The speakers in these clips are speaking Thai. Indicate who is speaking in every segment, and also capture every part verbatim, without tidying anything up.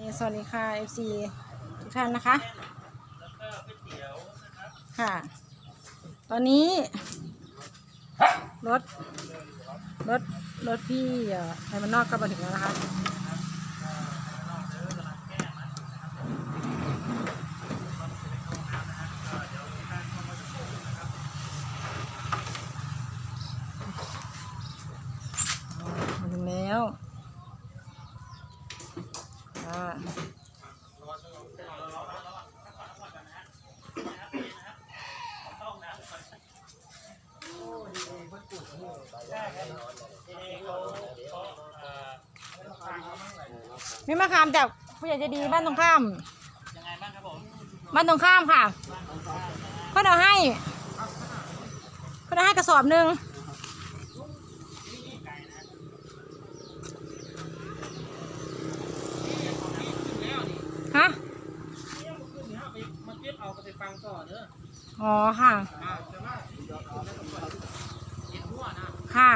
Speaker 1: สวัสดีค่ะ เอฟ ซี ทุกท่านนะคะค่ะตอนนี้รถรถรถพี่ไทยมันนอกก็มาถึงแล้วนะคะมาถึงแล้วอ่ามีมะขามจากผู้ใหญ่ใจดีบ้านตรงข้ามยังไงบ้างครับผมบ้านตรงข้ามค่ะเขาเอาให้เขาเอาให้กระสอบหนึ่งฮะอ๋อค่ะค่ะ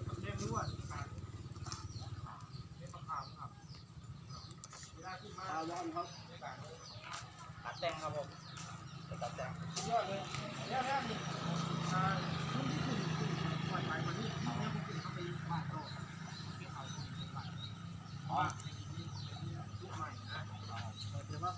Speaker 2: ตัดแต่งครับผมตัดแต่งยอดเลยแล้วแล้วนี่อ่ารุ่นที่ขึ้นปล่อยไปวันนี้เขาไม่ขึ้นเขาไปบ้านโตที่เขาอ๋อยุคใหม่นะแต่ว่า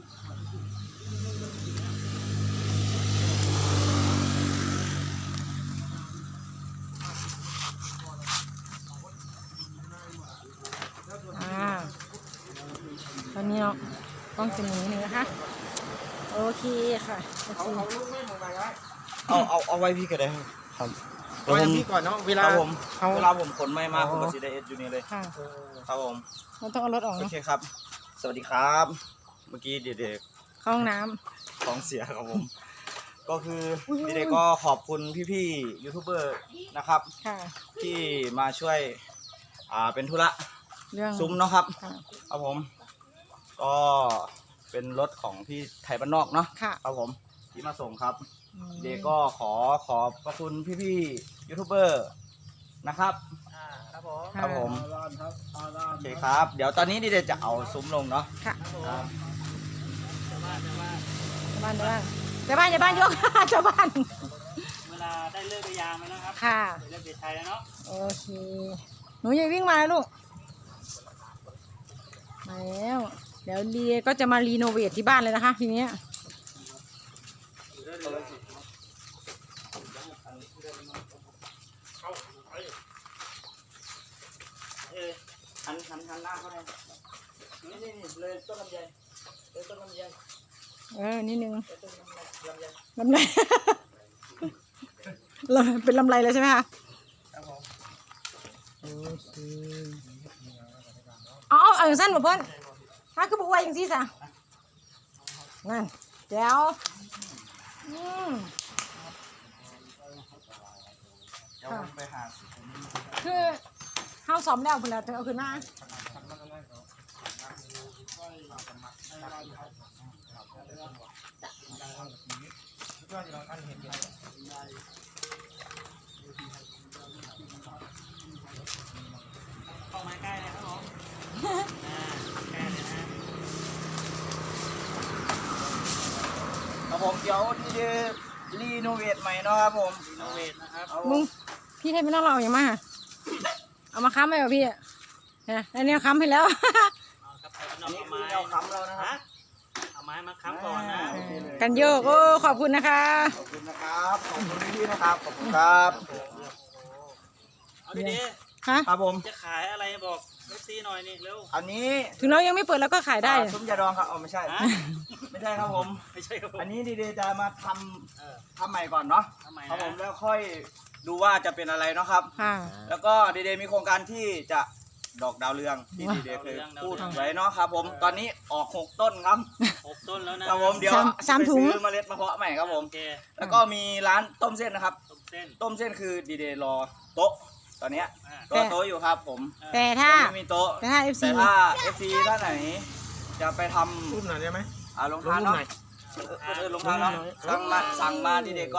Speaker 1: อ่าตอนนี้เราต้องจะหนีหนึ่งนะคะโอเคค่ะเอาเอาลูกแม่ของไปไว้
Speaker 2: เอาเอาเอาไว้พี่ก็ได้ครับเอาไว้พี่ก่อนเนาะเวลาผมเวลาผมขนไม่มาผมก็ซีได้เอสอยู่นี่เลย
Speaker 1: ค่ะ
Speaker 2: ครับผม
Speaker 1: มันต้องเอารถออก
Speaker 2: โอ
Speaker 1: เนาะ
Speaker 2: เคครับ สวัสดีครับเมื่อกี้เด็ก
Speaker 1: เข้าห้องน้
Speaker 2: ๆท้องเสียครับผมก็คือเด็กๆก็ขอบคุณพี่ๆยูทูบเบอร์นะครับที่มาช่วยอ่าเป็นธุระซุ้มเนาะครับครับผมก็เป็นรถของพี่ไทยบ้านนอกเนาะครับผมที่มาส่งครับเด็กก็ขอขอบพระคุณพี่ๆยูทูบเบอร์นะครับครับผมครับผมโอเคครับเดี๋ยวตอนนี้เด็กๆจะเอาซุ้มลงเนาะ
Speaker 1: ค่ะ
Speaker 2: ครับ
Speaker 1: ชาวบ้านชาวบ้านชาวบ้านชาวบ้านชาวบ้านชาวบ้านยกชาวบ้าน
Speaker 3: เวลาได้เลิกได้ยามแล้วนะครับ
Speaker 1: ค่ะ
Speaker 3: เลิกเด็ดไทยแล้วเนาะ
Speaker 1: โอเคหนูอย่าวิ่งมาแล้วลูกมาแล้วเดี๋ยวลีก็จะมารีโนเวทที่บ้านเลยนะคะทีนี้
Speaker 2: หันหันหันหน้าเขาเลยนี่นี่นี่เลยต้นลำไยเลยต้นลำไย
Speaker 1: เออนิดนึง
Speaker 2: ลำไย
Speaker 1: ลำไยเป็นลำไรเลยใช่ไหมคะ
Speaker 2: ครับผม
Speaker 1: โอเคเอาเอาเอาอย่างสั้นบ่เพิ่นถ้าคือบุกไว้อย่างซี่ซะนั่นเดี๋ยวอืม
Speaker 2: เดี๋ยวไปหา
Speaker 1: คือข้าวซ้อมแล้วเพิ่นแล้วเอาขึ้นมา
Speaker 3: เข้ามาใกล้เลยครับผมใกล้เลยนะครับ
Speaker 2: ผมเดี๋ยวที่จะรีโนเวทใหม่เนาะครับผม
Speaker 3: รีโนเวทนะครับ
Speaker 1: มึงพี่ให้ไม่ต้องเราอย่างมาเอามาค้ำไหมวะพี่เนี่ยอันนี้ค้ำให้แล้ว
Speaker 2: อันนี้คือเราค้ำแล้วนะครับ
Speaker 3: เอาไม้มาค้ำก่อนนะ
Speaker 1: กันโยกโอ้ขอบคุณนะคะ
Speaker 2: ขอบคุณนะครับขอบคุณพี่นะครับขอบคุณครับ
Speaker 3: เอาดีๆ
Speaker 2: ครับผม
Speaker 3: จะขายอะไรบอกเอฟซีหน่อยนี่เร็ว
Speaker 2: อันนี้
Speaker 1: ถึงเรายังไม่เปิดแล้วก็ขายได้
Speaker 2: ซุ้มยาดองครับอ๋อไม่ใช่ไม่ใช่ครับผม
Speaker 3: ไม่ใช่ครับ
Speaker 2: อันนี้ดีๆจะมาทำทำใหม่ก่อนเนาะครับผมแล้วค่อยดูว่าจะเป็นอะไรเนาะครับแล้วก็ดีๆมีโครงการที่จะดอกดาวเรืองที่ดีๆเคยพูดไว้เนาะครับผมตอนนี้ออกหกต้นครับ
Speaker 3: หกต้นแล้วนะครับ
Speaker 2: ผมเดี๋ยว
Speaker 1: สามถุง
Speaker 2: ซื้อเมล็ดมาเพาะใหม่ครับผมแล้วก็มีร้านต้มเส้นนะครับ
Speaker 3: ต้มเส้น
Speaker 2: ต้มเส้นคือดีๆรอโต๊ะตอนนี้รอโต๊ะอยู่ครับผม
Speaker 1: แต่ถ้า
Speaker 2: ไม่มีโต๊ะ
Speaker 1: แต่ถ้า เอฟ ซี
Speaker 2: แต่ถ้า เอฟ ซี ท่านไหนจะไปทำ
Speaker 4: รูปหน่อยได้ไหม
Speaker 2: อ่าลงทานเนาะเออลงทานเนาะสั่งมาสั่งมาดีๆก็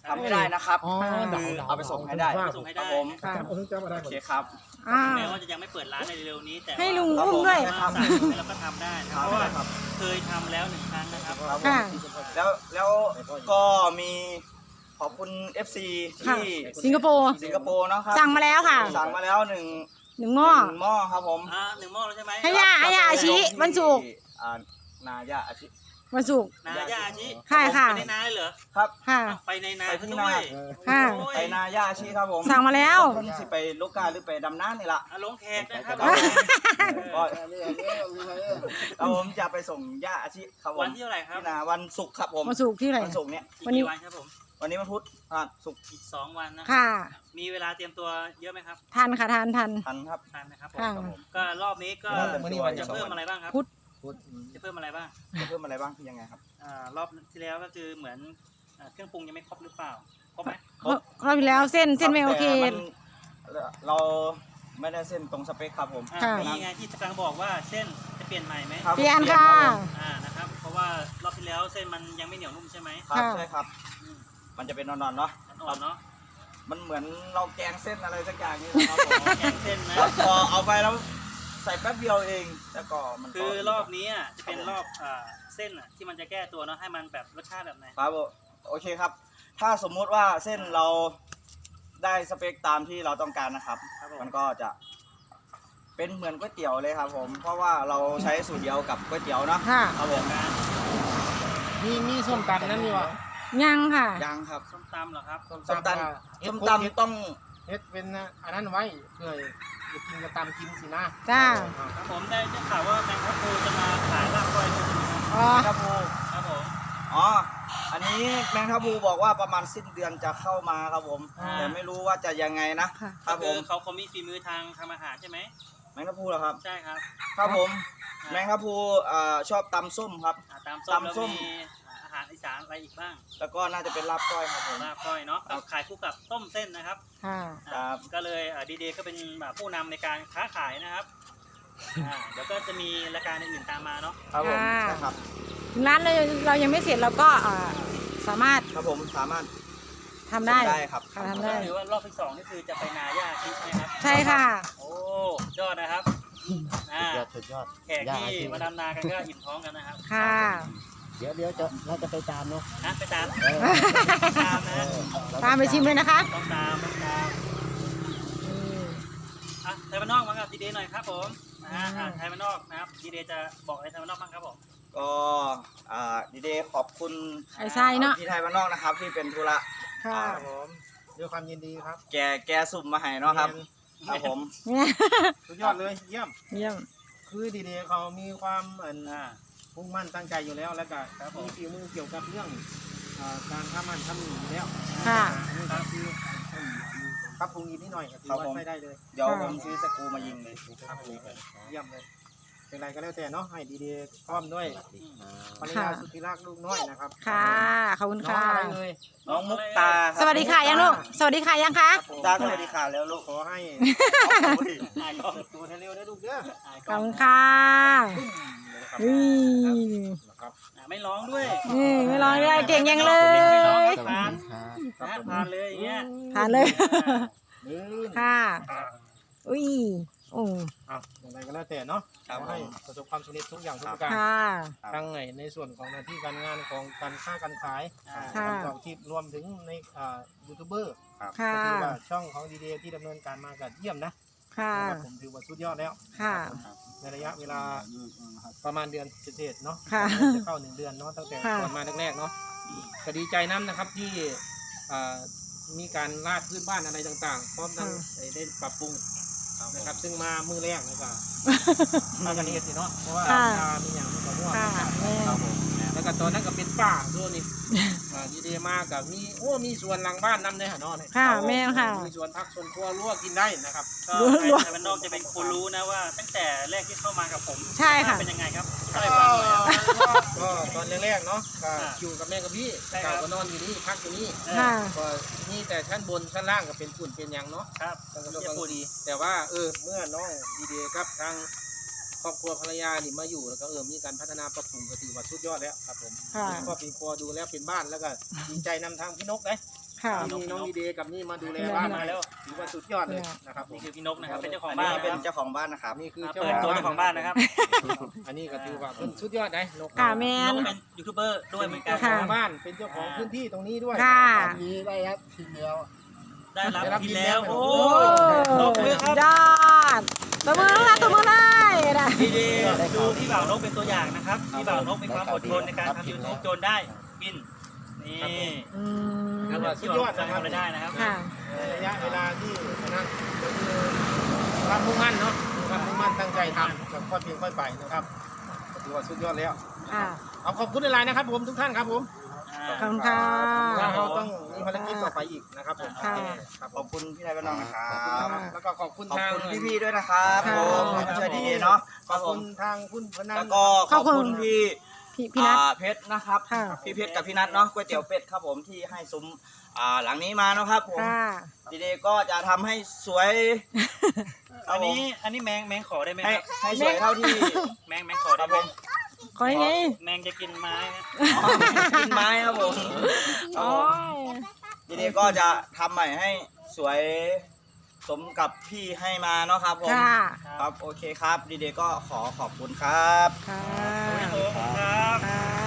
Speaker 2: ทำไม่ได้นะครับ
Speaker 4: อ๋อ
Speaker 2: คือเอาไปส่งให้ได้
Speaker 3: ไปส่งให้
Speaker 2: ครั
Speaker 3: ได้
Speaker 2: บผม
Speaker 1: ค่ะ
Speaker 2: โอเคครับ
Speaker 1: อ่า
Speaker 3: แม้ว่าจะยังไม่เปิดร้านในเร็วๆนี้แต่
Speaker 1: ให้ลุง
Speaker 2: ครับ
Speaker 1: อุ้ม
Speaker 2: ผม
Speaker 1: ด้วย
Speaker 3: ว่าสั่งแล้วก็ทำได้นะครับเพราะว่าเคยทำแล้วหนึ่งครั้งนะครับ
Speaker 2: ครับผม
Speaker 1: ค่ะ
Speaker 2: แล้วแล้วก็มีขอบคุณ เอฟ ซี
Speaker 1: ค่ะ
Speaker 2: ที่
Speaker 1: สิงคโปร์
Speaker 2: สิงคโปร์เนาะครับ
Speaker 1: สั่งมาแล้วค่ะ
Speaker 2: สั่งมาแล้วหนึ่ง
Speaker 1: หนึ่งหม้อ
Speaker 2: หนึ่งหม้อครับผม
Speaker 3: อ่าหนึ่งหม้อแล้วใช่ไหม
Speaker 1: ให้ย่าให้ย่าอาชิวันศุกร์
Speaker 2: อ่านาย่าอาชิ
Speaker 1: วันศุกร์
Speaker 3: นาย่าอาชิ
Speaker 1: ใช่ค่ะ
Speaker 3: ไปในนาเลยเหรอ
Speaker 2: ครับ
Speaker 1: ค่ะ
Speaker 3: ไปในนา
Speaker 2: ไปที่
Speaker 3: ด้วย
Speaker 2: นา
Speaker 1: ค่ะ
Speaker 3: โอ้ย
Speaker 2: ไปนาย่าอาชิครับผม
Speaker 1: สั่งมาแล้ว
Speaker 2: คนสิไปลูกกาหรือไปดำน้ำนี่ล่ะ
Speaker 3: อ่ะลงแขกนะครับ
Speaker 2: ครับ
Speaker 3: เอ
Speaker 2: ก็
Speaker 3: อ
Speaker 2: แล้วผมจะไปส่งย่าอาชิครับผม
Speaker 3: วันที่เท่าไหร่ครับ
Speaker 2: ที่นาวันศุกร์ครับผม
Speaker 1: วันศุกร์ที่ไหน
Speaker 2: วันศุกร์เนี้ย
Speaker 3: อีก
Speaker 1: วันนี้
Speaker 3: กี่วันครับผม
Speaker 2: วันนี้วันพุธอ่าศุกร์
Speaker 3: อีกสองวันนะ
Speaker 1: ค่ะ
Speaker 3: มีเวลาเตรียมตัวเยอะไหมครับ
Speaker 1: ทันค่ะทันทัน
Speaker 2: ทันครับ
Speaker 3: ทันนะครับผม
Speaker 1: ค่ะ
Speaker 2: ครับผม
Speaker 3: ก็รอบนี้ก็
Speaker 2: วันนี้วัน
Speaker 3: จะเพิ่มอะไรบ้างครับ
Speaker 1: พุธ
Speaker 3: จะเพิ่มอะไรบ้าง
Speaker 2: จะเพิ่มอะไรบ้างคือยังไงครับ
Speaker 3: อ่ารอบที่แล้วก็คือเหมือนอ่าเครื่องปรุงยังไม่ครบหรือเปล่าครบไหม
Speaker 1: รอบรอบที่แล้วเส้นเส้นไม่โอเค
Speaker 2: แต่มันเราไม่ได้เส้นตรงสเปคครับผม
Speaker 3: อ่า
Speaker 1: ค่ะ
Speaker 3: นี่ไงที่กำลังบอกว่าเส้นจะเปลี่ยนใหม่ไหม
Speaker 2: ครับ
Speaker 1: เปลี่ยนค่ะ
Speaker 3: อ่านะครับเพราะว่ารอบที่แล้วเส้นมันยังไม่เหนียวนุ่มใช่ไหม
Speaker 2: ครับ
Speaker 1: ค่ะ
Speaker 2: ใช่ครับ
Speaker 3: อืม
Speaker 2: มันจะเป็นนอนๆเนาะ
Speaker 3: อ่อนๆเนาะ
Speaker 2: มันเหมือนเราแกงเส้นอะไรสักอย่างนี้นะครับผม
Speaker 3: แกงเส้นนะ
Speaker 2: แล้วพอเอาไปแล้วใส่แป๊บเดียวเองแล้วก็มันก็
Speaker 3: คือรอบนี้อ่ะจะเป็นรอบอ่าเส้นอ่ะที่มันจะแก้ตัวเนาะให้มันแบบรสชาติแบบไหน
Speaker 2: ครับผมโอเคครับ ถ้าสมมุติว่าเส้นเราได้สเปคตามที่เราต้องการนะครับ
Speaker 3: ครับผม
Speaker 2: มันก็จะเป็นเหมือนก๋วยเตี๋ยวเลยครับผม เพราะว่าเราใช้สูตรเดียวกับก๋วยเตี๋ยวเนาะ
Speaker 1: ค่ะ
Speaker 2: ครับผม
Speaker 3: การ
Speaker 4: มีมีส้มตำนั่นนี่วะ
Speaker 1: ยังค่ะ
Speaker 2: ยังครับ
Speaker 3: ส้มตำเหรอครับ
Speaker 2: ส้มตำ
Speaker 4: เฮ็ด
Speaker 2: ส้ม
Speaker 4: ครบเฮ็ด
Speaker 2: ตำต้อง
Speaker 4: เฮ็ดเป็นอันนั้นไว้เพื่อจะกินกระตำกินสินะ
Speaker 1: จ้า
Speaker 3: ครับผมได้ได้ข่าวว่าแมงทับพลูจะมาขายลาบก้อยด้วยใช่ไหมครับ
Speaker 1: อ๋อ
Speaker 2: แมงทับพลู
Speaker 3: ครับผม
Speaker 2: อ๋อ อันนี้แมงทับพลูบอกว่าประมาณสิ้นเดือนจะเข้ามาครับผม
Speaker 3: อ่า
Speaker 2: แต่ไม่รู้ว่าจะยังไงนะ
Speaker 1: ค่ะ
Speaker 2: ครับผ
Speaker 3: คือ
Speaker 2: ม
Speaker 3: เขาเขามีฝีมือทางทำอาหารใช่ไหม
Speaker 2: แมงทับพลูเหรอครับ
Speaker 3: ใช่ครับ
Speaker 2: ครับผม แมงทับพลูอ่าชอบตำส้มครับ
Speaker 3: อ่าตามส้มแล้ว
Speaker 2: ตำส้ม
Speaker 3: มีอาหารอีสานอะไรอีกบ้าง
Speaker 2: แล้วก็น่าจะเป็นลาบก้อยครับผม
Speaker 3: ลาบก้อยเนาะก็ขายคู่กับต้มเส้นนะครับ
Speaker 1: ค่ะ
Speaker 2: ครับ
Speaker 3: ก็เลยดีเดย์ก็เป็นแบบผู้นำในการค้าขายนะครับอ่าเดี๋ยวก็จะมีรายการอื่นๆตามมาเนาะ
Speaker 2: ครับผม
Speaker 1: ค่ะ
Speaker 2: ใช่ครับ
Speaker 1: ถึงร้านเราเรายังไม่เสร็จเราก็อ่าสามารถ
Speaker 2: ครับผมสามารถ
Speaker 1: ทำได้
Speaker 2: ส่งได้ครับ
Speaker 1: ค่ะทำได้
Speaker 3: หรือว่ารอบที่สองนี่คือจะไปนาย่าทิใช่ไหมครับ
Speaker 1: ใช่ค่ะ
Speaker 3: โอ้ยอดนะครับอ่าย
Speaker 4: อดสุดยอด
Speaker 3: แขกที่มาดำนากันก็อิ่มท้องกันนะครับ
Speaker 1: ค่ะ
Speaker 4: เดี๋ยวเดี๋ยวจะเราจะไปตามเนาะ
Speaker 3: นะไปตาม
Speaker 4: เออ
Speaker 3: ตามนะ
Speaker 1: ตามไปชิมเลยนะคะ
Speaker 3: ต้องตามต้องตามอ่ะไทยบ้านนอกมากับดีเดย์หน่อยครับผมนะฮะอ่ะไทยบ้านนอกนะครับดีเดย์จะบอกอะไรไทยบ้านนอกบ้างครับผม
Speaker 2: ก็อ่าดีเดย์ขอบคุณ
Speaker 1: ไอ้ไส้เนาะ
Speaker 2: พี่ไทยบ้านนอกนะครับที่เป็นธุระ
Speaker 1: ค่ะ
Speaker 2: อ่า
Speaker 4: ครับผมด้วยความยินดีครับ
Speaker 2: แกแกสุ่มมาให้เนาะครับครับผม
Speaker 1: เนี่ย
Speaker 4: สุดยอดเลยเยี่ยม
Speaker 1: เยี่ยม
Speaker 4: คือดีเดย์เขามีความอัน
Speaker 3: อ่า
Speaker 4: มุ่งมั่นตั้งใจอยู่แล้วแล้วก็
Speaker 3: ครับผม
Speaker 4: มีฝีมือเกี่ยวกับเรื่องอ่าการทำมันทำหนีอยู่แล้ว
Speaker 1: ค่ะ
Speaker 4: อันนี้ก็คือปรับปรุงอีกนิดหน่อยก็ถือว่าใช้ได้เลย
Speaker 2: เดี๋ยวผมซื้อสกรูมายิงเลย
Speaker 4: ครับผมเยี่ยมเลยเป็นไรก็แล้วแต่เนาะให้ดีเดย์พร้อมด้วย
Speaker 3: อืม
Speaker 4: ภรรยาสุดที่รักลูกน้อยนะครับ
Speaker 1: ค่ะ ขอบคุณ
Speaker 4: น้อง
Speaker 1: ค่ะ
Speaker 4: อะไรเลย
Speaker 2: น้องมุกตาครับ
Speaker 1: สวัสดีค่ะยังลูก สวัสดีค่ะยังคะ
Speaker 2: ตาสวัสดีค่ะแล้วลูก
Speaker 4: ขอให้
Speaker 3: อายกล้อง
Speaker 4: ตัวเร็วๆนะลูกเด้อ
Speaker 3: อายก
Speaker 1: ข
Speaker 3: ล้
Speaker 1: อ
Speaker 3: อบ ง
Speaker 1: คุณค่ะ
Speaker 4: นะครับ
Speaker 1: นี่
Speaker 4: นะครับ
Speaker 3: อ่ะไม่ร้องด้วย
Speaker 1: นี่ไม่ร้องเลยเก่งยังเล
Speaker 3: ไม่ร้อง
Speaker 1: ย
Speaker 3: ผ่านนะผ่านเลยอย่างเงี้ย
Speaker 1: ผ่านเลย
Speaker 4: ลื่น
Speaker 1: ค่ะ อุ้ยโอ้
Speaker 4: อ่ะอย่างไรก็แล้วแต่เนาะ
Speaker 2: ครับ
Speaker 4: ขอ
Speaker 2: ผ
Speaker 4: ให้
Speaker 2: ม
Speaker 4: ประสบความสำเร็จทุกอย่างทุกประการ
Speaker 1: ค่ะ
Speaker 4: ทั้งในในส่วนของหน้าที่การงานของการค้าการขาย
Speaker 3: อ่า
Speaker 1: ค่ะ
Speaker 4: การประกอบอาชีพรวมถึงในอ่ายูทูบเบอร์
Speaker 1: ค่ะ
Speaker 4: ก็ถือว่าช่องของดีเดย์ที่ดำเนินการมากันเยี่ยมนะ
Speaker 1: ค่ะ
Speaker 4: นะครับผมถือว่าสุดยอดแล้ว
Speaker 1: ค่ะ
Speaker 4: ในระยะเวลาประมาณเดือนเศษๆเนาะ
Speaker 1: ค่ะ
Speaker 4: จะเข้าหนึ่งเดือนเนาะตั้งแต่
Speaker 1: ค่ะ
Speaker 4: ก่อนมาแรกๆเนาะก็ดีใจน้ำนะครับที่อ่ามีการลาดพื้นบ้านอะไรต่างๆ พร้อมทั้งได้ได้ปรับปรุงนะครับ ซึ่งมามือแรกเลยก็ มากันเองสิเนาะเพราะว่า
Speaker 1: ค่ะ
Speaker 4: ยามีอย่างมันก็ร่วง
Speaker 1: ค่ะแม่
Speaker 2: ครับผม
Speaker 4: แล้วก็ตอนนั้นก็เป็นป่าด้วยนี่อ่าดีเดมากกับมีโอ้มีสวนหลังบ้านนำเลยฮะเนาะเนี่ย
Speaker 1: ค่ะแม่ค่ะ
Speaker 4: มีสวนพักสวนครัวรั้วกินได้นะครับ
Speaker 3: ก็ใครไทยบ้านนอกจะเป็นคนรู้นะว่า ตั้งแต่แรกที่เข้ามากับผม
Speaker 1: ใช่ค่ะ
Speaker 3: เป็นยังไงครับเล่าให้ฟังหน่อยครับ
Speaker 4: ก็ตอนแรกๆเนาะก็
Speaker 3: อ่า
Speaker 4: อยู่กับแม่กับพี่
Speaker 3: ใช่ครับ
Speaker 4: ก็นอนอยู่นี่พักอยู่นี่
Speaker 3: เออ
Speaker 1: ค่ะ
Speaker 4: ก็นี่แต่ชั้นบนชั้นล่างก็เป็นฝุ่นเป็นหยังเนาะ
Speaker 3: ครับ
Speaker 4: แล้วก็
Speaker 3: เรียกพูดดี
Speaker 4: แต่ว่าเออเมื่อน้องดีเดครับทางครอบครัวภรรยานี่มาอยู่แล้วก็เออมีการพัฒนาปรับปรุงก็ถือว่าสุดยอดแล้วครับผม
Speaker 1: ค่ะ
Speaker 4: ครอบครัวดูแล้วเป็นบ้านแล้วก็ดีใจนำทางพี่นกเลย
Speaker 1: ค่ะ
Speaker 4: มีน้องดีเดย์กับนี่มาดูแลบ้านมาแล้วถือว่าสุดยอดเลยนะครับผม
Speaker 3: นี่คือพี่นกนะครับ เป็นเจ้าของ
Speaker 2: อัน
Speaker 3: บ้า
Speaker 2: นี้
Speaker 3: น
Speaker 2: เป็น
Speaker 3: นะครับ
Speaker 2: เจ้าของบ้านนะครับ
Speaker 4: นี่คือ
Speaker 3: อ่า
Speaker 4: เจ้า
Speaker 3: เปิดตัวเจ้าของบ้านนะครับ
Speaker 4: อันนี้ก็ถือว่าเป็นสุดยอดนะนก
Speaker 1: ค่ะแม
Speaker 3: น
Speaker 1: น
Speaker 3: กเป็นยูทูบเบอร์ด้วยเหมือนกัน
Speaker 4: เจ้าข
Speaker 1: ค่ะ
Speaker 4: องบ้านเป็นเจ้าของพื้นที่ตรงนี้ด้วย
Speaker 1: ค่ะ
Speaker 5: มีได้ครับทีเดียว
Speaker 3: ได้รับ
Speaker 4: ได้รับ
Speaker 3: พิน
Speaker 4: พินแล้
Speaker 3: แล้ว
Speaker 4: ว
Speaker 3: โอ้
Speaker 1: โอ้
Speaker 3: นกเลยครับ
Speaker 1: ยอดตัวมือแล้วตัวมือเลยนะ
Speaker 3: ดีดีดูพี่บ่าวนกเป็นตัวอย่างนะครับพี่บ่าวนกมีความอดทนในการทำยูทูบจนได้บินนี่
Speaker 1: อืม
Speaker 3: แล้วสุดยอดจะทำอะไรได้นะครับ
Speaker 1: ค่ะ
Speaker 4: ระยะเวลาที่นั่นก็คือความมุ่งมั่นเนาะความมุ่งมั่นตั้งใจทำแบบค่อยเพียงค่อยไปนะครับก็ถือว่าสุดยอดแล้ว
Speaker 1: ค่ะ
Speaker 4: เอาขอบคุณในไลน์นะครับผมทุกท่านครับผม
Speaker 1: ขอบคุณค่ะ
Speaker 4: ว่าเราต้องมีภารกิจต่อไปอีกนะครับผม
Speaker 1: ค่ะ
Speaker 4: ครับ
Speaker 2: ขอบคุณพี่นายบ้านน้องนะครับ
Speaker 4: แล้วก็ขอบคุณ
Speaker 2: ขอบ
Speaker 4: ทาง
Speaker 2: คุณพี่ๆด้วยนะครับ
Speaker 1: ค่ะ
Speaker 2: ผมที่มาช่วยดีเนาะ
Speaker 4: ขอบคุณทางคุณพนัน
Speaker 2: แล้วก็ขอบคุณพี่
Speaker 1: พี่พี่นัท
Speaker 2: อ่าเพชรนะครับ
Speaker 1: ค่ะ
Speaker 2: พี่เพชรกับพี่นัทเนาะก๋วยเตี๋ยวเป็ดครับผมที่ให้ซุ้มอ่าหลังนี้มาเนาะครับผม
Speaker 1: ค่ะ
Speaker 2: ดีเดย์ก็จะทำให้สวย
Speaker 3: อันนี้อันนี้แมงแมงขอได้ไหม
Speaker 2: ให้
Speaker 3: ครับ
Speaker 2: ให้สวยเท่าที่
Speaker 3: แมงแมงขอ
Speaker 2: ค
Speaker 3: ได้
Speaker 2: รับ
Speaker 3: ไหม
Speaker 2: ผม
Speaker 1: ขอยังไง
Speaker 3: แมงจะกินไม้นะ
Speaker 2: อ๋อกินไม้ครับผมครับ
Speaker 1: โอ้
Speaker 2: ผม
Speaker 1: ย
Speaker 2: ดีเดย์ก็จะทำใหม่ให้สวยสมกับพี่ให้มาเนาะครับผม
Speaker 1: ค่ะ
Speaker 2: ครับโอเคครับดีเดย์ก็ขอขอบคุณครับ
Speaker 1: ค่ะ
Speaker 3: ครับ
Speaker 1: ค่ะ